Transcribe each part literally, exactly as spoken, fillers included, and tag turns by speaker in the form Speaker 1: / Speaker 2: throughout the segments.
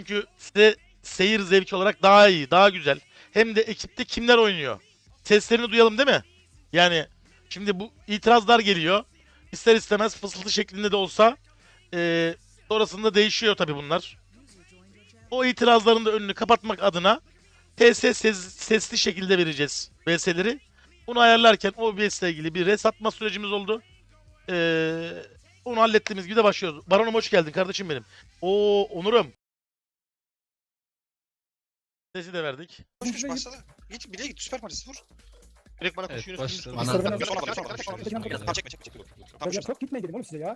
Speaker 1: Çünkü size seyir zevki olarak daha iyi, daha güzel. Hem de ekipte kimler oynuyor? Seslerini duyalım değil mi? Yani şimdi bu itirazlar geliyor. İster istemez fısıltı şeklinde de olsa e, sonrasında değişiyor tabii bunlar. O itirazların da önünü kapatmak adına T S ses, sesli şekilde vereceğiz V S'leri. Bunu ayarlarken O B S ile ilgili bir res atma sürecimiz oldu. Ee, onu hallettiğimiz gibi de başlıyoruz. Baron'um hoş geldin kardeşim benim. Oo Onur'um. Sesi de verdik.
Speaker 2: Koş koş başladı. Git bile git süper Maris vur.
Speaker 3: Direkt bana
Speaker 4: Evet,
Speaker 3: koşuyorsunuz.
Speaker 4: başladı.
Speaker 3: Bana
Speaker 5: Bana-
Speaker 2: Sonra bana sonra bana sonra bana sonra bana sonra bana çekme çekme çekme. Tamam
Speaker 5: Ya çok gitmeyin dedim oğlum size ya.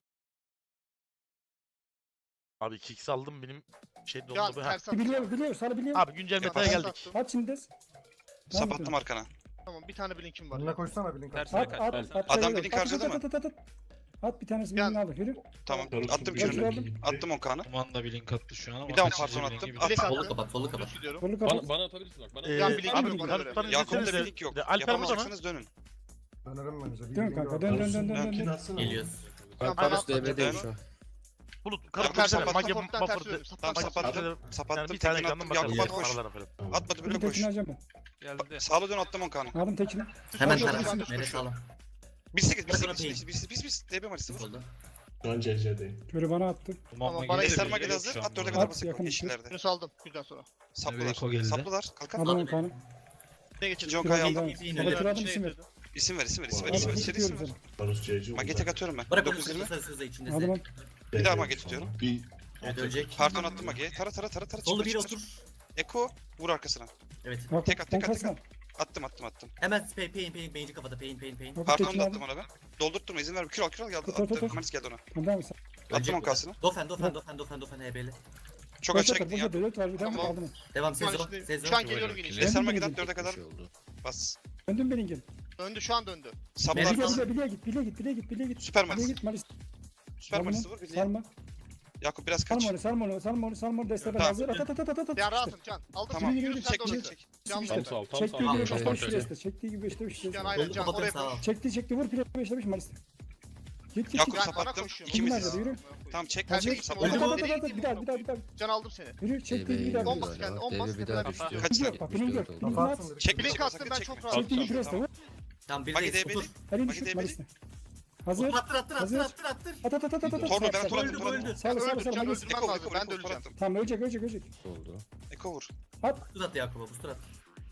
Speaker 1: Abi kick saldım benim şey
Speaker 3: Ya
Speaker 1: doldu. Ha.
Speaker 3: ters at.
Speaker 5: Biliyor biliyor sana biliyor.
Speaker 1: Abi güncel
Speaker 2: Ya,
Speaker 1: metaya
Speaker 3: Ters
Speaker 1: geldik.
Speaker 3: attım.
Speaker 5: At şimdi.
Speaker 2: Sapattım arkana.
Speaker 3: Tamam bir tane blinkim var.
Speaker 6: Önüne koşsana bir link.
Speaker 4: Ters
Speaker 5: At
Speaker 4: kaç.
Speaker 5: at
Speaker 4: Ters.
Speaker 5: at.
Speaker 2: Adam
Speaker 5: at,
Speaker 2: bilin
Speaker 5: at,
Speaker 2: harcadı
Speaker 5: at,
Speaker 2: mı?
Speaker 5: At at at at. At bir tanesini
Speaker 3: Ya-
Speaker 5: elini aldı. Yürü.
Speaker 2: Tamam
Speaker 6: Karus
Speaker 2: attım
Speaker 6: şimdi
Speaker 2: kürünü.
Speaker 5: aldım.
Speaker 2: Attım on kanı.
Speaker 4: Kuman da bir link attı şu an ama.
Speaker 2: Bir daha on
Speaker 4: kaçıncı
Speaker 2: parton
Speaker 4: bir
Speaker 2: attım.
Speaker 4: linki
Speaker 2: At.
Speaker 3: Blink
Speaker 7: Solu
Speaker 3: attım.
Speaker 7: kapat, solu kapat.
Speaker 3: Düz gidiyorum.
Speaker 5: Kolunu kapat.
Speaker 4: Bana, bana atabilirsin bak. Bana
Speaker 1: Ee,
Speaker 3: Ya,
Speaker 1: abi
Speaker 3: bilin- bilin-
Speaker 1: Karutların
Speaker 3: bilin-
Speaker 2: Yakup'un
Speaker 1: sesleri
Speaker 2: link yok.
Speaker 1: de Alper burada mı?
Speaker 2: Yapamazsanız dönün.
Speaker 6: Dönerim bence. Bir
Speaker 5: Dön
Speaker 6: link
Speaker 5: kanka,
Speaker 6: var.
Speaker 5: dön, dön, dön, dön,
Speaker 6: Karus'un
Speaker 5: dön.
Speaker 6: belki atsana.
Speaker 7: Geliyoruz.
Speaker 3: Tamam,
Speaker 7: Ben
Speaker 3: ben
Speaker 7: Karus
Speaker 3: atladım.
Speaker 7: D B'deyim şu an.
Speaker 1: Bulut
Speaker 2: Tamam,
Speaker 1: Karut
Speaker 2: sapattım.
Speaker 1: Mage
Speaker 3: Sapattan ters
Speaker 1: Buffer.
Speaker 3: dönüyorum.
Speaker 2: Tamam
Speaker 3: Sapattan
Speaker 2: sapattım.
Speaker 1: Yani
Speaker 2: Sapattım
Speaker 1: bir tane
Speaker 2: tekini
Speaker 1: ekrandan
Speaker 2: attım. Yakup
Speaker 1: bakarız.
Speaker 2: at koş.
Speaker 1: Aralarına falan.
Speaker 2: Atmadı
Speaker 5: Bunun
Speaker 2: bile koş.
Speaker 5: tekini alacağım ben.
Speaker 4: Geldi.
Speaker 2: Sağla dön attım on kanı.
Speaker 5: Aldım tekini.
Speaker 7: Hemen
Speaker 3: Sol,
Speaker 7: tara.
Speaker 3: sol, sol,
Speaker 7: Nereye
Speaker 3: sol.
Speaker 7: sağlam?
Speaker 2: Bir sekiz bir
Speaker 7: Sonra
Speaker 2: sekiz
Speaker 7: ping.
Speaker 2: bir sekiz bir sekiz D B Maris'i vur.
Speaker 7: Solda.
Speaker 6: Şu an C C'deyim.
Speaker 5: Körü bana attı.
Speaker 4: Kuman
Speaker 3: Tamam,
Speaker 4: da
Speaker 3: bana
Speaker 4: geldi.
Speaker 2: Eser
Speaker 3: Geliyor,
Speaker 2: Magel
Speaker 4: Geliyor
Speaker 2: hazır.
Speaker 4: şu an
Speaker 2: At dörde
Speaker 4: bu.
Speaker 2: kadar
Speaker 5: At,
Speaker 2: basık.
Speaker 5: yakın
Speaker 2: Yeşillerde.
Speaker 3: Bunu saldım. Günden sonra.
Speaker 2: Saplılar.
Speaker 4: Eko geldi.
Speaker 2: Saplılar. Kalkan.
Speaker 5: Aldım on kanı.
Speaker 3: Ne geçelim?
Speaker 2: İkinci on kayı aldım.
Speaker 5: Baba kiradım isim ver.
Speaker 2: İsim ver isim ver isim ver
Speaker 6: Al,
Speaker 2: isim ver.
Speaker 6: al,
Speaker 2: İçeri
Speaker 5: tutuyorum
Speaker 2: isim ver.
Speaker 5: seni.
Speaker 6: Karus C C.
Speaker 2: Mage tek atıyorum ben.
Speaker 7: Bırak onu
Speaker 2: dokuz yirmi.
Speaker 7: sarı sarı içinde.
Speaker 5: Aldım on.
Speaker 2: Bir daha mage tutuyorum.
Speaker 6: Bir
Speaker 7: Evet ölecek.
Speaker 2: Parton attım Mage'ye. Tara tara tara tara.
Speaker 7: Solda
Speaker 2: çıkır,
Speaker 7: bir
Speaker 2: çıkır.
Speaker 7: otur.
Speaker 2: Eko vur arkasına.
Speaker 7: Evet.
Speaker 5: Bak
Speaker 2: Tek at,
Speaker 5: on
Speaker 2: tek at, tek
Speaker 5: kalsana.
Speaker 2: Attım attım attım.
Speaker 7: Hemen pain pain pain pain kafada pain pain pain.
Speaker 5: Bak
Speaker 2: Parton'u
Speaker 5: tekini
Speaker 2: da attım
Speaker 5: aldım.
Speaker 2: ona ben. Doldurtturma izin verme. Kür al kür al geldi.
Speaker 5: Tut, tut, tut,
Speaker 2: Attım.
Speaker 5: tut.
Speaker 2: Manis geldi ona.
Speaker 5: Tamam devam et.
Speaker 2: Attım on kasını.
Speaker 7: Dofen dofen dofen dofen dofen H B'li.
Speaker 2: Çok
Speaker 5: Boş
Speaker 2: aşağı
Speaker 5: atar,
Speaker 2: gittin
Speaker 5: boş
Speaker 2: ya.
Speaker 5: atar. Dört var bir tane
Speaker 3: Tamam.
Speaker 5: aldım.
Speaker 7: Devam
Speaker 3: Şu an
Speaker 7: Sezo.
Speaker 3: işte-
Speaker 7: Sezo.
Speaker 3: Şu an geliyorum yine işte.
Speaker 2: Eser
Speaker 5: Döndüm
Speaker 2: Mage'den
Speaker 5: benim
Speaker 2: dörde kadar
Speaker 4: şey oldu.
Speaker 2: bas.
Speaker 5: Döndüm Belling'in.
Speaker 3: Döndü şu an döndü.
Speaker 2: Saplar.
Speaker 7: Melik
Speaker 5: Bileğe
Speaker 7: al.
Speaker 5: git, bileğe git, bileğe git, bileğe git, bileğe git.
Speaker 2: Süper
Speaker 5: Bileğe
Speaker 2: Manis.
Speaker 5: git, Malis.
Speaker 2: Süper
Speaker 5: Salma,
Speaker 2: Manis'i vur. Birliğe.
Speaker 5: salma.
Speaker 2: Yakup biraz kaç.
Speaker 5: Salma onu, salma onu, salma onu, salma onu. Desteler
Speaker 2: Tamam.
Speaker 5: hazır. At, at, at, at, at, at.
Speaker 3: Ya rahatım Can. Aldım.
Speaker 2: Tamam.
Speaker 3: Yürü, yürü, sen
Speaker 2: Çek
Speaker 3: de
Speaker 2: çek
Speaker 3: orası.
Speaker 2: çek.
Speaker 3: Can
Speaker 5: İşte.
Speaker 3: benim.
Speaker 4: sağ ol, tam
Speaker 5: Çektiği
Speaker 4: sağ ol.
Speaker 5: gibi
Speaker 4: Tamam,
Speaker 5: beşte beş
Speaker 4: tamam.
Speaker 5: reste. Çektiği gibi beşte beş
Speaker 3: Can
Speaker 5: reste.
Speaker 3: aynen
Speaker 7: Doldu
Speaker 3: Can
Speaker 7: kapatıyorum
Speaker 3: oraya
Speaker 7: sağ ol.
Speaker 3: koş.
Speaker 5: Çekti, çekti, vur pire beşte beş Malis. Git, git,
Speaker 2: Yakup
Speaker 5: git.
Speaker 3: Ben sana
Speaker 2: sapattım.
Speaker 3: koşuyorum.
Speaker 2: İkimiz.
Speaker 5: Nerede, yürü.
Speaker 2: Tamam çek
Speaker 3: Tercih
Speaker 2: çek.
Speaker 3: ettim,
Speaker 5: At, at,
Speaker 2: Saplar.
Speaker 5: at, at, at. Bir daha, bir daha, bir daha.
Speaker 3: Can aldım seni.
Speaker 5: Yürü, çektiği gibi bir daha.
Speaker 3: On bas kendi, on bas.
Speaker 7: D B bir daha düştü.
Speaker 2: Kaç
Speaker 5: Yok, bak bunu gör. Bunu at.
Speaker 6: kapatsın.
Speaker 2: Çek bir
Speaker 3: Blink
Speaker 2: çek.
Speaker 3: attım
Speaker 2: Sakın
Speaker 3: ben
Speaker 2: çekme.
Speaker 3: çok rahat.
Speaker 5: Çektiği gibi reste vur.
Speaker 7: Tamam bir
Speaker 2: Magi
Speaker 7: de
Speaker 2: D B'li.
Speaker 7: otur.
Speaker 5: Elini
Speaker 2: Magi
Speaker 5: düşür
Speaker 2: D B'li.
Speaker 5: Malis'te. Hazır.
Speaker 7: Attır attır attır
Speaker 5: Hazır.
Speaker 7: attır attır.
Speaker 5: At, at, at, at, at, at.
Speaker 2: Torlu ben
Speaker 5: Sağ,
Speaker 2: tur
Speaker 5: sağ,
Speaker 2: attım. tur attım.
Speaker 5: Sağ, sağ,
Speaker 3: Öldür
Speaker 5: sağ,
Speaker 3: Can
Speaker 5: Malis.
Speaker 3: öldürmem
Speaker 2: Eko
Speaker 3: lazım.
Speaker 2: Eko
Speaker 3: Ben de
Speaker 2: Eko tur
Speaker 3: öleceğim.
Speaker 2: attım.
Speaker 5: Tamam, ölecek, ölecek, ölecek.
Speaker 7: Oldu.
Speaker 2: Eko vur.
Speaker 7: Booster at Yakup'a booster at.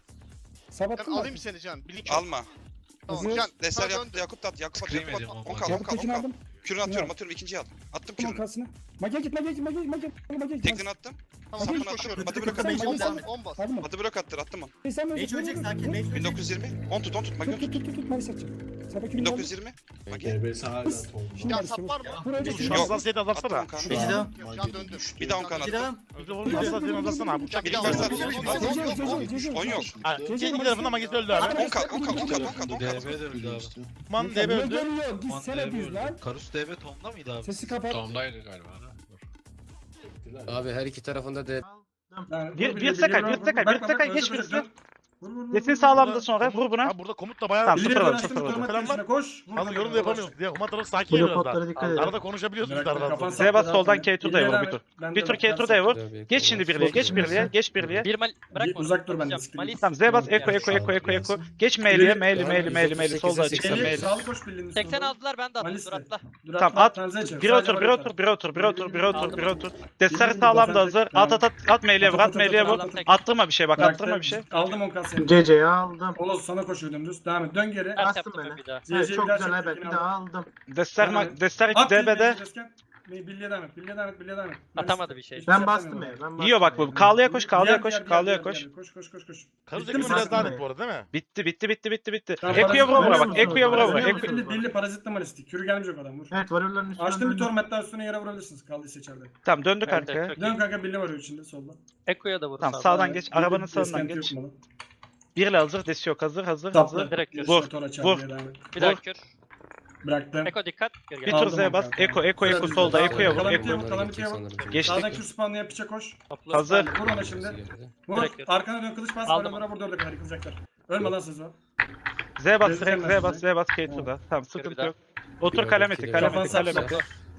Speaker 3: Can
Speaker 5: Sabattın mı?
Speaker 3: alayım seni Can. Blink
Speaker 2: Alma.
Speaker 3: Tamam
Speaker 5: Hazır.
Speaker 3: Can.
Speaker 2: Deser
Speaker 3: Sana
Speaker 2: Yakup
Speaker 3: döndü.
Speaker 2: Yakup da at. Yakup at.
Speaker 4: Scream
Speaker 2: Yakup
Speaker 4: ediyorum
Speaker 2: at.
Speaker 4: ama.
Speaker 2: On kal on
Speaker 5: Yakup
Speaker 2: kal on
Speaker 5: tekini
Speaker 2: kal.
Speaker 5: aldım.
Speaker 2: Kürünü atıyorum atıyorum ikinciyi al. Attım
Speaker 5: Tamam
Speaker 2: kürünü.
Speaker 5: kalsına. Mage git, mage git, mage git, mage git. Mage git.
Speaker 2: Tekini attım.
Speaker 3: Tamam
Speaker 2: Sapını
Speaker 3: hiç
Speaker 2: attım.
Speaker 3: koşuyorum.
Speaker 2: Batı
Speaker 5: Sen
Speaker 2: blok
Speaker 5: Mage
Speaker 2: attım.
Speaker 3: On
Speaker 5: git,
Speaker 3: bas.
Speaker 5: sen-
Speaker 3: On bas.
Speaker 5: Aldım mı?
Speaker 2: Batı blok attır attım onu.
Speaker 5: Hey, sen
Speaker 7: Mage
Speaker 5: ölecek,
Speaker 7: ölecek
Speaker 5: vur,
Speaker 7: sakin.
Speaker 5: vur,
Speaker 7: Mage
Speaker 5: vur.
Speaker 7: ölecek.
Speaker 2: bin dokuz yüz yirmi. on tut on tut. Magi
Speaker 5: Tut,
Speaker 2: tut.
Speaker 5: tut, tut, tut, Malis atacağım. Sabah günü
Speaker 2: bin
Speaker 5: geldi.
Speaker 2: dokuz yüz yirmi. Magi.
Speaker 6: D B hala
Speaker 5: Hız.
Speaker 6: oldu.
Speaker 5: Şimdi
Speaker 3: Ya
Speaker 5: Malis'e
Speaker 3: sap
Speaker 5: vur.
Speaker 3: var mı?
Speaker 5: Vur, ölecek.
Speaker 1: Şu
Speaker 2: Yok.
Speaker 1: hassasiyeti
Speaker 2: Attım
Speaker 1: azaltsana.
Speaker 2: on kanı.
Speaker 7: Gece devam.
Speaker 3: Can döndü.
Speaker 2: Bir daha on kanı
Speaker 7: Gece
Speaker 2: attım.
Speaker 7: devam.
Speaker 1: Bir hassasiyeti azaltsana abi. Uçak
Speaker 2: Bir
Speaker 1: bir
Speaker 2: daha
Speaker 1: daha
Speaker 2: on
Speaker 1: var.
Speaker 2: kanı. on yok.
Speaker 1: Kendi tarafından Magesi öldü abi.
Speaker 2: on kal on kal on kal on kal on
Speaker 4: D
Speaker 2: kal.
Speaker 4: B de öldü abi.
Speaker 1: Man D B
Speaker 5: Ne
Speaker 1: öldü.
Speaker 5: görüyorsun?
Speaker 4: Kuman
Speaker 5: Gitsene
Speaker 4: D B
Speaker 5: düz lan.
Speaker 4: öldü. Karus D B Tom'da mıydı abi?
Speaker 5: Sesi kapat.
Speaker 4: Tom'daydı galiba.
Speaker 7: Abi her iki tarafında da
Speaker 8: Bir, bir sekay, bir sekay, bir sekay geç birisi. Desin sağlamda sonra vur buna.
Speaker 1: Abi burada komut da bayağı
Speaker 8: Tamam,
Speaker 1: sıfır
Speaker 8: sıfır
Speaker 1: var.
Speaker 8: var,
Speaker 1: Sıfır
Speaker 8: sıfır
Speaker 1: var.
Speaker 8: var.
Speaker 1: Falan var.
Speaker 8: Koş.
Speaker 1: Fazla yorum da yapamıyoruz. Ya Human tarafı sakin
Speaker 8: Blue
Speaker 1: biraz daha.
Speaker 8: potlara dikkat edin.
Speaker 1: Arada konuşabiliyorsunuz daha rahat.
Speaker 8: Z bas soldan K two D'ye vur bir tur. Bir tur K two D'ye vur. Geç şimdi birliğe, geç birliğe, geç birliğe.
Speaker 9: Bir mal bırak
Speaker 8: Bir uzak dur benden.
Speaker 9: Malis
Speaker 8: Tamam Z bas eko eko eko eko eko. Geç meyliye, meyli meyli meyli meyli solda açıkta meyli. Sağlı koş birliğinin
Speaker 9: seksen aldılar ben de attım
Speaker 8: Malis
Speaker 9: dur
Speaker 8: de.
Speaker 9: atla.
Speaker 8: Tamam at. Bir
Speaker 5: Bir
Speaker 8: otur, bir otur, bir otur, bir otur, bir otur, bir otur. Destler sağlam da hazır. At at at at meyliye vur, at meyliye vur. Attırma bir şey bak, attırma bir şey.
Speaker 10: Aldım on kasayı.
Speaker 8: C C'yi aldım.
Speaker 10: Oğuz sana koşuyor dümdüz. Devam et. Dön geri.
Speaker 9: Ters yaptım bir daha.
Speaker 10: Evet, çok güzel evet. Bir daha aldım.
Speaker 8: Destler ma- Destler
Speaker 10: At
Speaker 8: D B'de.
Speaker 10: Bilye devam et. Bilye devam et. Bilye devam et.
Speaker 9: Atamadı bir şey.
Speaker 10: Ben bastım ya. Ben
Speaker 8: Yiyor bak bu. Kağlıya koş, kağlıya koş, kağlıya koş.
Speaker 10: Koş koş koş koş.
Speaker 1: Karus
Speaker 10: Bitti mi
Speaker 1: ekimi biraz
Speaker 10: sen?
Speaker 1: daha net bu arada değil mi?
Speaker 8: Bitti, bitti, bitti, bitti, bitti.
Speaker 10: Tamam,
Speaker 8: Eko'ya vura vura
Speaker 10: parazit-
Speaker 8: bak, Eko'ya vura vura.
Speaker 10: Biliyor
Speaker 8: Eko-
Speaker 10: musun? Billi, billi parazitli malistik. Kürü gelmeyecek adam vur.
Speaker 8: Evet, varıyorların üstüne.
Speaker 10: Açtım bir torment daha üstüne yere vurabilirsiniz. Kaldıysa içeride.
Speaker 8: Tamam, döndük
Speaker 9: Evet,
Speaker 8: arkaya.
Speaker 9: evet, çok
Speaker 10: Dön
Speaker 9: iyi.
Speaker 10: kanka billi var içinde solda.
Speaker 9: Eko'ya da vur.
Speaker 8: Tamam,
Speaker 9: sağ.
Speaker 8: sağdan geç, arabanın
Speaker 10: Billi-
Speaker 8: sağından
Speaker 10: Eskenti
Speaker 8: geç.
Speaker 10: yok mu?
Speaker 8: Birle hazır, desi yok, hazır, hazır,
Speaker 10: Sapla.
Speaker 8: hazır.
Speaker 9: Direkt
Speaker 10: Direkt
Speaker 8: Vur,
Speaker 10: Tora
Speaker 8: vur.
Speaker 10: çarpıya devam et.
Speaker 9: Bir daha kür.
Speaker 10: Bıraktım.
Speaker 9: Eko dikkat. Geri
Speaker 8: Bir
Speaker 9: gel.
Speaker 8: tur
Speaker 10: Aldım
Speaker 8: Z'ye bas,
Speaker 10: kanka.
Speaker 8: Eko, Eko, Eko
Speaker 10: Sıra
Speaker 8: solda,
Speaker 10: bizde.
Speaker 8: Eko'ya vur,
Speaker 10: Kalamitiye
Speaker 8: Eko.
Speaker 10: vur, kalamitiye vur.
Speaker 8: Geçtik.
Speaker 10: Sağdaki spawnlıya piçe koş.
Speaker 9: Topla.
Speaker 8: Hazır.
Speaker 10: Vur ona şimdi. Vur.
Speaker 9: Direkt yürü.
Speaker 10: Arkana dön kılıç bas.
Speaker 9: Aldım.
Speaker 10: Bana vur dörde kadar yıkılacaklar. Ölme lan Sezo.
Speaker 8: Z bas,
Speaker 10: Gezeceğim
Speaker 8: direkt
Speaker 10: ben
Speaker 8: Z bas,
Speaker 10: sizi.
Speaker 8: Z bas, K tur'da. Tamam,
Speaker 9: bir
Speaker 8: sıkıntı
Speaker 9: daha.
Speaker 8: yok. Otur kalemeti, kalemeti,
Speaker 10: Kafanı
Speaker 8: kalemeti.
Speaker 10: sapla.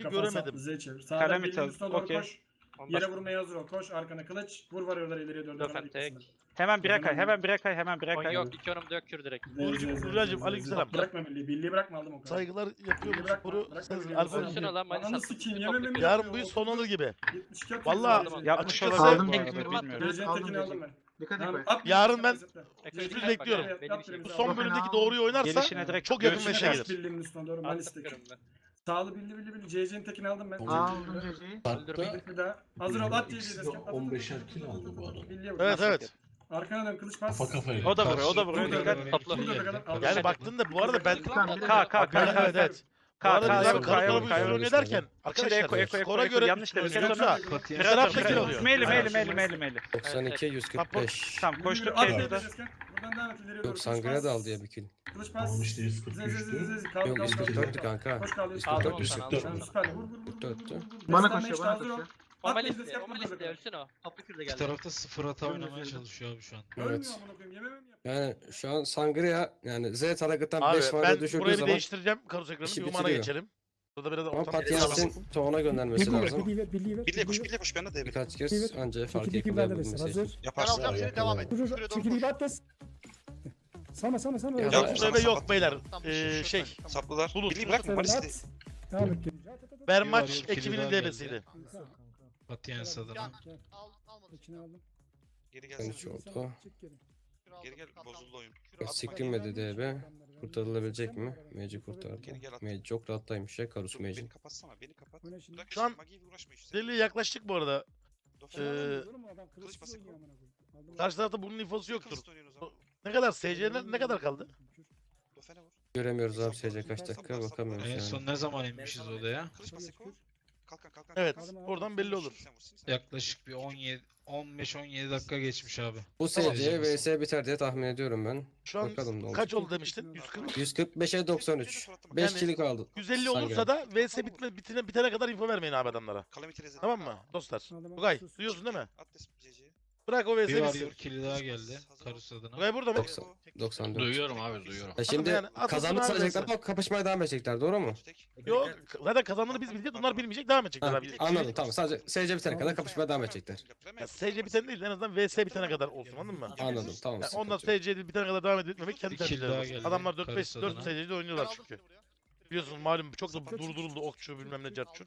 Speaker 10: Kafanı
Speaker 1: göremedim.
Speaker 10: saplı, Z çevir. Sağdan
Speaker 8: Kalem
Speaker 10: birliğin
Speaker 8: ithal,
Speaker 10: üstüne doğru
Speaker 8: okey.
Speaker 10: koş.
Speaker 9: Ondan
Speaker 10: Yere vurmaya hazır ol. Koş arkana kılıç. Vur varıyorlar ileriye doğru.
Speaker 9: Döfen
Speaker 10: devam
Speaker 9: tek.
Speaker 10: etsinler.
Speaker 8: Hemen bire kay, hemen bire kay, hemen bire
Speaker 9: on
Speaker 8: kay.
Speaker 9: yok. iki onumda yok kür direkt.
Speaker 10: Z,
Speaker 1: Burcu-
Speaker 10: Z, Z,
Speaker 1: Burcu'cum,
Speaker 10: Z, Z.
Speaker 1: aleykümselam.
Speaker 10: Bırakma birliği. Birliği bırakma aldım o kadar.
Speaker 1: Saygılar yapıyorum
Speaker 10: Birliği bırakma,
Speaker 1: sporu.
Speaker 10: bırakma
Speaker 1: Sensin
Speaker 10: birliği.
Speaker 1: alfa.
Speaker 9: Pozisyona lan Malis
Speaker 10: Ananı
Speaker 9: attım.
Speaker 10: sikeyim
Speaker 9: Top
Speaker 10: yememe
Speaker 9: yapıyor.
Speaker 10: mi
Speaker 1: Yarın
Speaker 10: yapıyor?
Speaker 1: bu iş son olur gibi.
Speaker 10: yetmiş iki atıyor.
Speaker 1: Vallahi
Speaker 10: Z, Z.
Speaker 8: Yapmış
Speaker 1: Açıkçası-
Speaker 8: olabilir
Speaker 6: Aldım
Speaker 8: bu
Speaker 6: tek
Speaker 8: arada,
Speaker 6: kürümü.
Speaker 8: bilmiyorum.
Speaker 6: Evet,
Speaker 10: Gecenin
Speaker 6: aldım
Speaker 10: tekini aldım
Speaker 6: J J.
Speaker 10: ben.
Speaker 6: Dikkat
Speaker 10: Tamam,
Speaker 6: et.
Speaker 10: at
Speaker 1: Yarın
Speaker 10: birliği,
Speaker 1: ben-
Speaker 10: zıpla.
Speaker 9: Ekmek
Speaker 10: J J.
Speaker 1: Sürpriz bekliyorum.
Speaker 10: Evet,
Speaker 9: Benim
Speaker 10: at
Speaker 9: işim.
Speaker 10: birliği,
Speaker 1: Bu
Speaker 10: sağ
Speaker 1: son
Speaker 10: ol.
Speaker 1: bölümdeki
Speaker 6: Fena.
Speaker 1: doğruyu oynarsa
Speaker 8: Gelişine direkt
Speaker 1: çok yakın
Speaker 8: görüşüne
Speaker 1: meşe
Speaker 10: Kaç
Speaker 1: gelir.
Speaker 10: birliğimin üstüne doğru
Speaker 9: Attım
Speaker 10: Malis'teki.
Speaker 9: kürümü ben.
Speaker 10: Sağlı billi billi billi. J J'nin tekini aldım ben.
Speaker 6: Aldım J J'yi.
Speaker 9: Öldürmeyin.
Speaker 10: Bir daha. Hazır ol at J J'yi.
Speaker 11: İkisi de on beşer kill aldı bu arada.
Speaker 10: Billiye vur.
Speaker 1: Evet evet.
Speaker 10: Arkana dön kılıç pas.
Speaker 11: Kafa kafaya.
Speaker 8: O da vuruyor, o da vuruyor.
Speaker 10: Burada
Speaker 8: Dikkat.
Speaker 10: da-
Speaker 9: Topla.
Speaker 10: burada da kadar-
Speaker 1: Yani baktın da bu arada ben
Speaker 6: Tamam,
Speaker 8: K, K,
Speaker 1: yani
Speaker 8: K.
Speaker 1: evet evet.
Speaker 8: K,
Speaker 1: arada
Speaker 8: K,
Speaker 1: biz abi
Speaker 8: yok,
Speaker 1: kara
Speaker 8: K,
Speaker 1: kara
Speaker 8: yok,
Speaker 1: bu
Speaker 8: K,
Speaker 1: üstüne
Speaker 8: yok.
Speaker 1: oynuyor derken
Speaker 8: İçinde
Speaker 1: arkadaşlar
Speaker 8: eko, eko, eko,
Speaker 1: skora
Speaker 8: eko,
Speaker 1: göre
Speaker 8: yanlış demek,
Speaker 1: oynuyoruz
Speaker 8: eko,
Speaker 1: yoksa
Speaker 8: eko.
Speaker 1: bir tarafta kill oluyor.
Speaker 8: Meyli, meyli,
Speaker 1: Aynen.
Speaker 8: meyli, meyli, meyli.
Speaker 3: doksan iki yüz kırk beş.
Speaker 8: Tamam koştuk
Speaker 10: Yürü, at
Speaker 8: K'ye
Speaker 10: B'ye
Speaker 8: de.
Speaker 10: Jesken. Buradan devam et ileriye doğru.
Speaker 3: Yok
Speaker 10: Kılıç
Speaker 3: Sangria
Speaker 10: pas.
Speaker 3: da aldı ya bir kill.
Speaker 10: Kılıç pas.
Speaker 11: Tamam işte
Speaker 10: Z z z z
Speaker 11: yüz kırk üçtü.
Speaker 10: z. Kalk
Speaker 3: Yok
Speaker 10: kalk
Speaker 3: yüz
Speaker 10: kalk.
Speaker 3: kırk dörttü kanka.
Speaker 10: Koş kaldı.
Speaker 3: yüz
Speaker 9: Aldım
Speaker 3: kırk
Speaker 9: onu
Speaker 3: dört.
Speaker 9: sana,
Speaker 11: yüz
Speaker 9: aldım
Speaker 11: kırk
Speaker 10: Sen
Speaker 9: onu.
Speaker 10: süperli. Vur vur vur. vur,
Speaker 3: Dörttü.
Speaker 10: vur, vur, vur.
Speaker 6: Bana
Speaker 10: Destan
Speaker 6: koşuyor,
Speaker 10: beş,
Speaker 6: bana
Speaker 10: hazır ol.
Speaker 6: koşuyor.
Speaker 9: Normal
Speaker 10: At
Speaker 9: liste,
Speaker 10: Jesken,
Speaker 9: normal
Speaker 10: vur
Speaker 9: liste
Speaker 10: kadar.
Speaker 9: ölsün o. Toplu kürde
Speaker 4: Bir
Speaker 9: geldi.
Speaker 4: tarafta sıfır hata oynamaya çalışıyor abi şu an.
Speaker 10: Ölmüyor
Speaker 3: Evet.
Speaker 10: amına koyayım. Yememem yap.
Speaker 3: Yani şu an Sangria yani Z tarafından
Speaker 1: Abi
Speaker 3: beş
Speaker 1: ben
Speaker 3: varda düşürdüğü
Speaker 1: burayı bir
Speaker 3: zaman
Speaker 1: değiştireceğim karus ekranı.
Speaker 3: işi
Speaker 1: Bir umana
Speaker 3: bitiriyor.
Speaker 1: geçelim. Burada biraz
Speaker 3: ama
Speaker 1: ortam.
Speaker 3: Patiens'in Toğan'a göndermesi
Speaker 5: Birliği ver,
Speaker 3: lazım.
Speaker 5: birliği ver, birliği ver.
Speaker 2: Birliğe koş,
Speaker 5: birliği ver.
Speaker 2: birliğe koş. Ben de devre.
Speaker 3: Birkaç kez anca fark
Speaker 5: Çekil iki verdi
Speaker 3: edilebilmesi.
Speaker 5: hazır.
Speaker 2: Yaparsın.
Speaker 11: Ya, yakala.
Speaker 5: Vur vur. Çekil bir atlas. Sana sana sana.
Speaker 3: Ya,
Speaker 1: Ya
Speaker 3: Ya,
Speaker 1: bu
Speaker 2: sana
Speaker 1: bebe yok
Speaker 2: sapat.
Speaker 1: beyler. Ee, şey
Speaker 2: Saplılar.
Speaker 1: Bulut.
Speaker 2: Birliği bırakma.
Speaker 5: Sen
Speaker 2: Malis'i.
Speaker 5: at. Devam et. At, at, at, at.
Speaker 1: Bermaç
Speaker 4: Bir var, yok,
Speaker 1: ekibinin
Speaker 4: kili daha
Speaker 1: devresiydi.
Speaker 4: Patiens adına.
Speaker 5: Gel. İçine aldım.
Speaker 2: Geri
Speaker 3: Ben
Speaker 2: gelsene.
Speaker 3: hiç oldu.
Speaker 5: Çık geri.
Speaker 2: Geri gel. Bozuldu oyun.
Speaker 3: Sikilmedi D B. Kurtarılabilecek mi? Mage kurtardı.
Speaker 2: Geri gel at.
Speaker 3: Mage çok rahattaymış ya Karus
Speaker 2: Dur,
Speaker 3: Mage'in.
Speaker 2: beni kapatsana. Beni kapat.
Speaker 5: Oyna şimdi.
Speaker 2: Bırak
Speaker 1: Şu an
Speaker 2: şimdi, Magi'ye uğraşma işte.
Speaker 1: Deliye yaklaştık bu arada.
Speaker 2: Dofan
Speaker 1: Ee,
Speaker 2: al.
Speaker 5: Oğlum adam
Speaker 2: kılıç
Speaker 5: kılıçsız
Speaker 2: bası
Speaker 5: oynuyor amına koyayım. Aldım.
Speaker 1: Karşı tarafta bunun infosu yoktur.
Speaker 2: Kılıç da oynuyorsun o zaman.
Speaker 1: Ne kadar S C'ne ne kadar kaldı?
Speaker 2: Dofen'e vur.
Speaker 3: Göremiyoruz abi S C kaç dakika bakamıyoruz
Speaker 4: En
Speaker 3: yani.
Speaker 4: son ne zaman inmişiz odaya?
Speaker 2: Kılıç bası ko. Kalkan kalkan.
Speaker 1: Evet.
Speaker 2: kalkan.
Speaker 1: Oradan belli olur.
Speaker 2: Sen vur, sen vur.
Speaker 4: Yaklaşık bir on yedi on beş on yedi dakika geçmiş abi.
Speaker 3: Bu
Speaker 4: Tamam.
Speaker 3: S C V S biter diye tahmin ediyorum ben.
Speaker 1: Şu an
Speaker 3: Bakalım ne olacak.
Speaker 1: kaç oldu demiştin? yüz kırk.
Speaker 3: yüz kırk beşe doksan üç. beş
Speaker 1: Yani-
Speaker 3: kill kaldı.
Speaker 1: yüz elli
Speaker 3: Sangria.
Speaker 1: olursa da V S bitme, bitine, bitene kadar info vermeyin abi adamlara.
Speaker 2: Calamity Reset.
Speaker 1: Tamam mı dostlar?
Speaker 5: Aldım,
Speaker 1: Tugay
Speaker 5: sus.
Speaker 1: duyuyorsun değil mi?
Speaker 2: At des C C'ye.
Speaker 1: Bırak o V
Speaker 4: Bir
Speaker 1: S
Speaker 4: var
Speaker 1: bitsin.
Speaker 4: yok kili daha geldi. Karus adına.
Speaker 1: Tugay burada mı?
Speaker 3: doksan, doksan dört.
Speaker 9: Duyuyorum abi duyuyorum.
Speaker 3: E şimdi
Speaker 1: yani atlasın
Speaker 3: kazandık
Speaker 1: abi
Speaker 3: sayacaklar
Speaker 1: neyse.
Speaker 3: ama kapışmaya devam edecekler doğru mu?
Speaker 2: Tek.
Speaker 1: Yok zaten kazandığını biz bileceğiz. Onlar bilmeyecek devam edecekler
Speaker 3: Ha,
Speaker 1: abi.
Speaker 3: anladım tamam sadece S C bitene kadar kapışmaya devam edecekler.
Speaker 1: Ya S C bitene değil en azından V S bitene kadar olsun anladın mı?
Speaker 3: Anladım tamam.
Speaker 1: Yani ondan
Speaker 3: sıkıntı yok.
Speaker 1: S C bitene kadar devam etmemek kendi
Speaker 4: Bir kill
Speaker 1: tercihleri.
Speaker 4: daha
Speaker 1: olsun.
Speaker 4: geldi.
Speaker 1: Adamlar dört beş
Speaker 4: Karus
Speaker 1: dört
Speaker 4: adına.
Speaker 1: S C'de oynuyorlar çünkü. Biliyorsunuz malum çok da durduruldu okçu bilmem ne cartçut.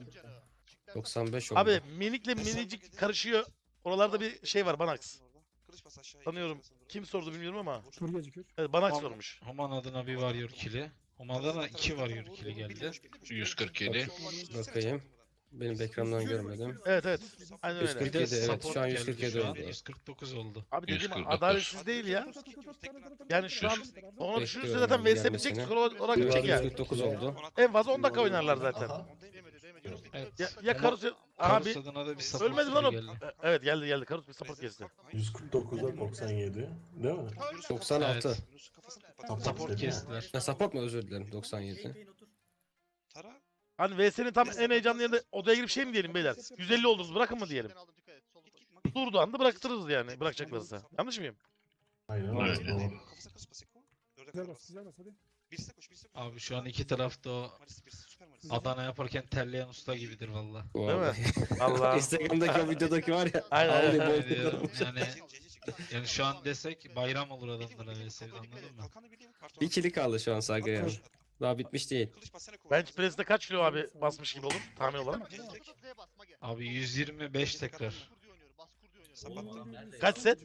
Speaker 3: doksan beş oldu.
Speaker 1: Abi minikle minicik karışıyor. Oralarda bir şey var Banax.
Speaker 2: Kılıç bas aşağıya.
Speaker 1: Tanıyorum. Kim sordu bilmiyorum ama.
Speaker 5: Tur gecikir.
Speaker 1: Evet Banax
Speaker 4: Tamam.
Speaker 1: sormuş.
Speaker 4: Human adına bir var yok kili. Human'da da iki var yok kili geldi.
Speaker 2: yüz kırk yedi.
Speaker 3: Bakayım. Benim ekrandan görmedim.
Speaker 1: Evet evet. Aynen
Speaker 3: yüz
Speaker 1: öyle.
Speaker 3: kırk
Speaker 4: Bir de
Speaker 3: yedi, evet,
Speaker 4: support
Speaker 3: şu an yüz
Speaker 4: geldi
Speaker 3: kırk yedi
Speaker 4: şu an.
Speaker 3: oldu.
Speaker 4: yüz kırk dokuz oldu.
Speaker 1: Abi dediğim
Speaker 2: yüz kırk dokuz.
Speaker 1: adaletsiz değil ya. Yani şu an onu düşünürse
Speaker 3: Bekliyorum
Speaker 1: zaten
Speaker 3: abi
Speaker 1: V S
Speaker 3: gelmesini.
Speaker 1: bitecek skor olarak
Speaker 3: Bir
Speaker 1: bitecek
Speaker 3: var
Speaker 1: ya.
Speaker 3: yüz kırk dokuz oldu.
Speaker 1: En fazla on dakika oynarlar zaten.
Speaker 11: Aha.
Speaker 4: Evet.
Speaker 1: Ya, ya Karus abi
Speaker 4: Karus adına da bir support
Speaker 1: ölmedi lan o.
Speaker 4: kili geldi.
Speaker 1: E, Evet geldi geldi Karus bir support kesti.
Speaker 11: yüz kırk dokuza doksan yedi. Değil mi?
Speaker 3: doksan altı.
Speaker 4: Evet.
Speaker 11: Tamam,
Speaker 4: Support
Speaker 11: dedi ya.
Speaker 4: kestiler.
Speaker 3: Ya support mu özür dilerim doksan yedi.
Speaker 2: Tara.
Speaker 1: Hani V S'nin tam en heyecanlı yerinde odaya girip şey mi diyelim beyler? yüz elli oldunuz bırakın mı diyelim? Durduğu anda bıraktırırız yani bırakacaklarsa. Yanlış mıyım?
Speaker 11: Aynen öyle. Doğru.
Speaker 2: Kafasına kılıç bas Eko. Dörde
Speaker 5: Güzel
Speaker 2: kadar
Speaker 5: bas
Speaker 2: bas.
Speaker 5: güzel bas hadi.
Speaker 2: Birisi koş birisi koş.
Speaker 4: Abi şu an iki tarafta o
Speaker 2: Maris birisi süper Maris.
Speaker 4: Adana yaparken terleyen usta gibidir valla.
Speaker 3: Vallahi.
Speaker 1: Allah.
Speaker 3: Instagram'daki o videodaki var ya.
Speaker 1: Aynen, aynen.
Speaker 3: ağlayıp
Speaker 4: Yani,
Speaker 3: boğuluyormuş.
Speaker 4: yani,
Speaker 2: C C çıktı.
Speaker 4: yani şu an desek bayram olur adamlara V S'de anladın mı?
Speaker 2: Kalkanı biliyor. Karton
Speaker 3: Bir
Speaker 2: at.
Speaker 3: kili kaldı şu an Sagra'ya.
Speaker 2: At, at, at.
Speaker 3: Daha bitmiş değil.
Speaker 2: Kılıç bas sen Eko.
Speaker 1: Bench press'te kaç kilo abi basmış gibi olur tahmin olarak?
Speaker 4: Abi yüz yirmi beş tekrar.
Speaker 2: Sapattı.
Speaker 1: Kaç set?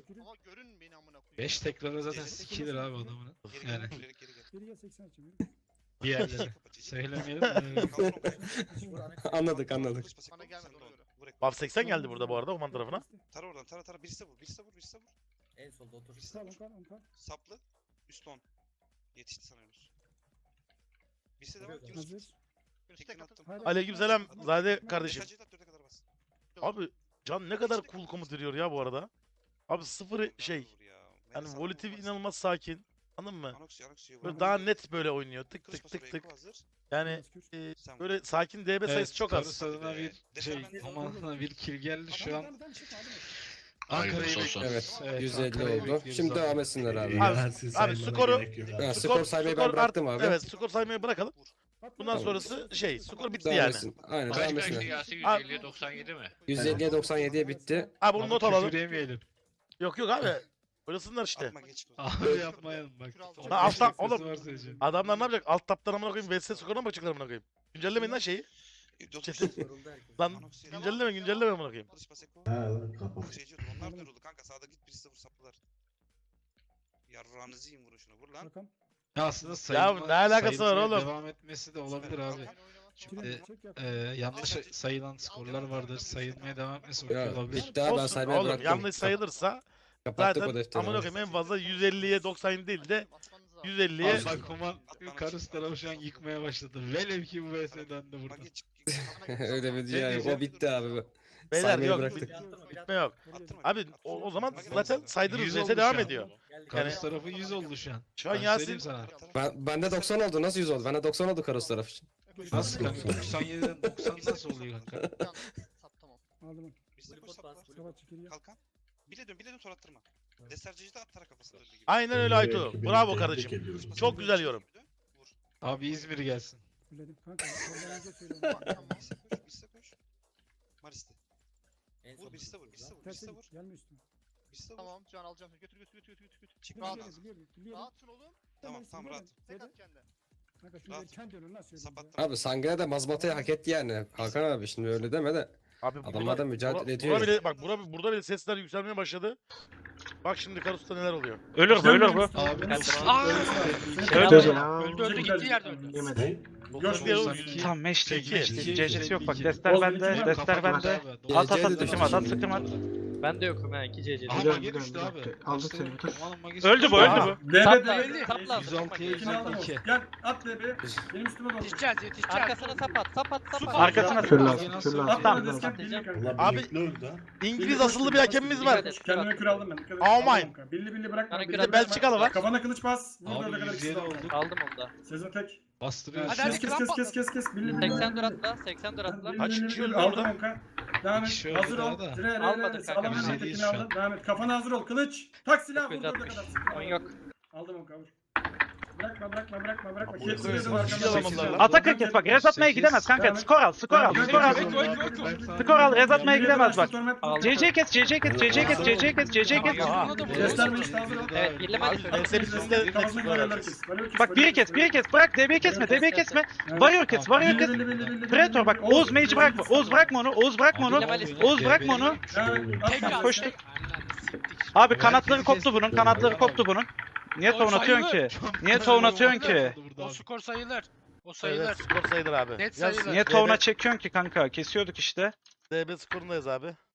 Speaker 4: beş tekrara zaten sikilir abi adamın.
Speaker 2: Geri
Speaker 4: Yani
Speaker 2: gel. Geri geri gel.
Speaker 5: Geri gel seksen açayım.
Speaker 4: diğerleri. Söylemeyelim de.
Speaker 3: Anladık anladık.
Speaker 2: Kılıç bas Eko. Sen de onu. Vur Eko.
Speaker 1: Baf seksen geldi burada bu arada Oman tarafına.
Speaker 2: Tara oradan tara tara. Birisi de vur. Birisi de vur. Birisi de vur.
Speaker 7: En solda otur.
Speaker 2: Birisi de
Speaker 5: Kal
Speaker 2: vur.
Speaker 5: kal kal.
Speaker 2: Saplı. Üst on. Yetişti sanıyoruz. Birisi de var. Yunus.
Speaker 5: Hazır.
Speaker 2: Tekini attım.
Speaker 5: Hadi.
Speaker 1: Aleykümselam Zade kardeşim.
Speaker 2: Mesajı da dörde kadar bas.
Speaker 1: Abi Can ne kadar cool komut veriyor ya bu arada. Abi sıfır şey.
Speaker 2: Vur ya.
Speaker 1: Yani
Speaker 2: Melis
Speaker 1: volatil
Speaker 2: Hanım
Speaker 1: inanılmaz sakin. Anladın mı?
Speaker 2: Anoxia, Anoxia.
Speaker 1: Böyle daha net böyle oynuyor. Tık
Speaker 2: Kılıç
Speaker 1: tık
Speaker 2: bası
Speaker 1: tık
Speaker 2: Eko
Speaker 1: tık.
Speaker 2: hazır.
Speaker 1: Yani
Speaker 5: Kür.
Speaker 1: e,
Speaker 2: Sen vur.
Speaker 1: böyle sakin D B sayısı
Speaker 4: Evet,
Speaker 1: çok az.
Speaker 4: Karus adına bir şey, Human adına bir kill geldi şu an. Ankara'yı
Speaker 3: Evet,
Speaker 4: Evet,
Speaker 3: yüz elli
Speaker 4: Ankara'yı
Speaker 3: oldu.
Speaker 4: bekliyoruz
Speaker 3: Şimdi
Speaker 4: abi.
Speaker 3: devam etsinler abi.
Speaker 1: Abi-
Speaker 11: Yersiz
Speaker 1: abi
Speaker 11: saymana
Speaker 1: skoru-
Speaker 11: gerek yok.
Speaker 3: Ha, skor saymayı ben bıraktım abi.
Speaker 1: Evet skor saymayı bırakalım. Bundan
Speaker 3: Tamam.
Speaker 1: sonrası şey skor bitti
Speaker 3: Devam
Speaker 1: yani.
Speaker 3: etsin. Aynen devam etsinler.
Speaker 9: yüz elliye doksan yedi mi?
Speaker 3: yüz elliye doksan yediye bitti.
Speaker 1: Abi bunu
Speaker 4: Ama
Speaker 1: not alalım.
Speaker 4: küfür yemeyelim.
Speaker 1: Yok yok abi. Oynasınlar işte.
Speaker 2: Atma geç.
Speaker 4: Abi yapmayalım bak.
Speaker 1: Ha, alttan-
Speaker 4: Sesi
Speaker 1: oğlum.
Speaker 4: var sadece.
Speaker 1: Adamlar ne yapacak? Alt taptan amına koyayım V S skoruna mı bakacaklar amına koyayım? Güncellemeyin lan şeyi. Chat'i. Lan güncelleme güncelleme amına koyayım.
Speaker 2: Kılıç bas Eko.
Speaker 11: Ha lan kapat.
Speaker 2: Şey diyordum, onlar da yoruldu kanka, sağda git birisi de vur saplılar. Yarrağınızı yiyin, vurun şuna, vur lan.
Speaker 5: Bakalım.
Speaker 4: Ya aslında sayılma,
Speaker 1: ne alakası var
Speaker 4: sayılmaya
Speaker 1: oğlum?
Speaker 4: Devam etmesi de olabilir abi. Çünkü
Speaker 5: Çek yap.
Speaker 4: e, yanlış sayılan skorlar vardır. Sayılmaya devam etmesi
Speaker 3: Ya
Speaker 4: olabilir.
Speaker 3: bitti abi ben
Speaker 1: Olsun
Speaker 3: saymaya
Speaker 1: oğlum
Speaker 3: bıraktım.
Speaker 1: yanlış sayılırsa
Speaker 3: Kapattık o
Speaker 1: zaten
Speaker 3: defteri.
Speaker 1: amına koyayım en fazla yüz elliye doksan değil de yüz elliye
Speaker 4: Allah kuman Karus tarafı şu an yıkmaya başladı. Velev ki bu V S'den de burada.
Speaker 2: Magi çık.
Speaker 3: Öyle bir yani.
Speaker 4: diyeceğim?
Speaker 3: O bitti abi.
Speaker 1: beyler
Speaker 3: Saymayı
Speaker 1: yok
Speaker 3: bıraktık.
Speaker 1: bit- bitme yok.
Speaker 2: Attırma.
Speaker 1: Abi o, o zaman zaten saydığınız
Speaker 4: Yüz
Speaker 1: V S
Speaker 4: oldu
Speaker 1: devam
Speaker 4: şu an.
Speaker 1: ediyor.
Speaker 4: Karus tarafı yüz oldu şu an.
Speaker 1: Şu an
Speaker 4: Ben
Speaker 1: Yasin
Speaker 4: söyleyeyim sana.
Speaker 3: Ben, bende doksan oldu. Nasıl yüz oldu? Bende doksan oldu Karus tarafı için.
Speaker 4: Nasıl kanka? doksan yediden doksan nasıl oluyor kanka?
Speaker 5: Aldım.
Speaker 2: Bizde koş sap var.
Speaker 5: Mustafa çekiliyor.
Speaker 2: Kalkan. Bile dön, bile dön sonra attırma. Destercici de at tara kafasına döndüğü gibi.
Speaker 1: aynen öyle Aytu.
Speaker 11: Belki
Speaker 1: Bravo
Speaker 11: beni
Speaker 1: kardeşim.
Speaker 11: tebrik ediyorum.
Speaker 1: Çok güzel yorum.
Speaker 2: Vur.
Speaker 4: Abi İzmir gelsin.
Speaker 5: Fulledim kanka. Soldan önce söylüyorum.
Speaker 2: Birisi koş, birisi koş. Maris'te.
Speaker 7: En
Speaker 2: Vur,
Speaker 7: son
Speaker 2: birisi de vur, birisi de vur,
Speaker 5: Terse
Speaker 2: birisi de vur.
Speaker 5: git. Gelme üstüme.
Speaker 2: Birisi de vur.
Speaker 12: Tamam can alacağım. Götür götür götür götür götür.
Speaker 2: Çık
Speaker 5: Biliyorum,
Speaker 2: rahat.
Speaker 5: biliyorum, biliyorum.
Speaker 12: Rahatsın oğlum.
Speaker 2: Tamam, tamam rahat.
Speaker 12: Tek at kendine.
Speaker 5: Kanka şunu
Speaker 2: Rahat.
Speaker 5: erken dönün lan söyleyeyim.
Speaker 2: Sap
Speaker 5: ya.
Speaker 2: attırma.
Speaker 3: Abi Sangre de mazbatayı hak etti yani. Hakan abi şimdi öyle deme de.
Speaker 1: Abi
Speaker 3: Adamlar da mücadele
Speaker 1: bura-
Speaker 3: ediyor.
Speaker 1: Bura bile, bak bura, burada bile sesler yükselmeye başladı. Bak şimdi Karus'ta neler oluyor.
Speaker 8: Ölür bu ölür bu.
Speaker 4: Abi
Speaker 6: Öldü ya.
Speaker 12: Öldü öldü gittiği yerde öldü.
Speaker 6: Yemedi.
Speaker 11: Ne?
Speaker 1: doksan bir oğlum,
Speaker 4: iki.
Speaker 8: Tamam meşte
Speaker 1: İki.
Speaker 8: meşte. C C'si yok bak.
Speaker 4: İki.
Speaker 8: Dester
Speaker 10: Oğuz
Speaker 8: bende.
Speaker 10: iki.
Speaker 8: Dester bende. At at at sıkım at at sıkım at.
Speaker 12: Ben de yokum ha iki C C.
Speaker 4: Aha
Speaker 6: Biliyorum,
Speaker 4: Magi düştü
Speaker 6: biliyorum,
Speaker 4: abi.
Speaker 6: biliyorum. Aldım
Speaker 4: Başta-
Speaker 6: seni, dur.
Speaker 4: Aman Magi'si
Speaker 8: Öldü bu
Speaker 1: Aa.
Speaker 8: öldü bu.
Speaker 10: D B
Speaker 12: Sapla,
Speaker 10: D B.
Speaker 12: sapla.
Speaker 4: yüz altıya yüz
Speaker 10: İkini aldım.
Speaker 4: iki.
Speaker 10: Gel at D B. Benim üstüme doğru.
Speaker 12: Yetişeceğiz yetişeceğiz. Arkasına sap at sap at sap at.
Speaker 8: Arkasına
Speaker 6: Kür
Speaker 8: sık.
Speaker 6: lazım, kür lazım.
Speaker 10: At
Speaker 8: Tamam.
Speaker 10: bana desken birli kanka.
Speaker 11: Ulan
Speaker 1: Abi-
Speaker 11: birlikte öldü ha.
Speaker 1: İngiliz asıllı bir hakemimiz var.
Speaker 10: Kendime kür aldım ben. Dikkat et.
Speaker 1: Oh my.
Speaker 10: Aldım kanka. Billi billi bırakma.
Speaker 12: Bana
Speaker 10: billi
Speaker 12: kür
Speaker 10: bırakma.
Speaker 1: Belçikalı var.
Speaker 10: Kafana kılıç bas. Vur
Speaker 4: Abi
Speaker 10: dörde kadar
Speaker 4: yüz
Speaker 10: ikisi
Speaker 4: yedi
Speaker 10: de oldu.
Speaker 4: oldu.
Speaker 12: Aldım onu da.
Speaker 10: Sezon tek.
Speaker 4: Bastırıyor.
Speaker 12: Hadi,
Speaker 10: Kes kes kes kes kes kes. Billi billi.
Speaker 12: seksen dur atla seksen dur atla.
Speaker 1: Kaç kişi öldü
Speaker 10: Aldım
Speaker 1: orada?
Speaker 10: kanka. Devam et.
Speaker 4: kişi öldü
Speaker 10: Hazır
Speaker 4: daha
Speaker 10: ol.
Speaker 4: da.
Speaker 10: Dire re
Speaker 12: Almadık
Speaker 10: re.
Speaker 12: kanka,
Speaker 10: Sağlam
Speaker 4: biz
Speaker 10: hemen
Speaker 4: yediyiz
Speaker 10: tekini
Speaker 4: şu an.
Speaker 10: aldın. Devam et. Kafana hazır ol. Kılıç. Tak silah. Vur
Speaker 12: dokuz
Speaker 10: dörde
Speaker 12: altmış.
Speaker 10: kadar.
Speaker 12: On yok.
Speaker 10: Aldım onu kavur. Bırakma bırakma bırakma bırakma.
Speaker 11: Abi,
Speaker 10: Kepsine
Speaker 11: evet,
Speaker 10: dön
Speaker 11: evet,
Speaker 10: arkamdan.
Speaker 1: evet,
Speaker 10: Sekiz
Speaker 1: evet.
Speaker 10: al.
Speaker 8: Atakır kes bak. Rez atmaya gidemez kanka. Skor al skor al skor al. Skor al Rez atmaya gidemez bak. C C kes C C kes C C kes C C kes C C kes.
Speaker 10: Gösterme işte hazır ol.
Speaker 12: Evet birleme
Speaker 1: Abi,
Speaker 12: de
Speaker 1: ben seni üstünde
Speaker 10: Kafasına varıyorlar kes. Varıyor kes,
Speaker 8: Bak
Speaker 10: varıyor
Speaker 8: biri kes biri kes bırak D B'yi kesme D B'yi kesme. Varıyor kes varıyor kes. Predator bak Oğuz Mage'i bırakma. Oğuz bırakma onu. Oğuz bırakma onu. Oğuz bırakma onu. Koş. Abi kanatları koptu bunun. Kanatları koptu bunun. Niye savun atıyorsun ki? Niye savun atıyorsun ki?
Speaker 12: O skor sayılır. O
Speaker 1: Evet, skor sayılır abi.
Speaker 12: Net
Speaker 1: Yaz,
Speaker 12: sayılır.
Speaker 8: Niye tavuna çekiyorsun ki kanka? Kesiyorduk işte.
Speaker 1: D B skorundayız abi.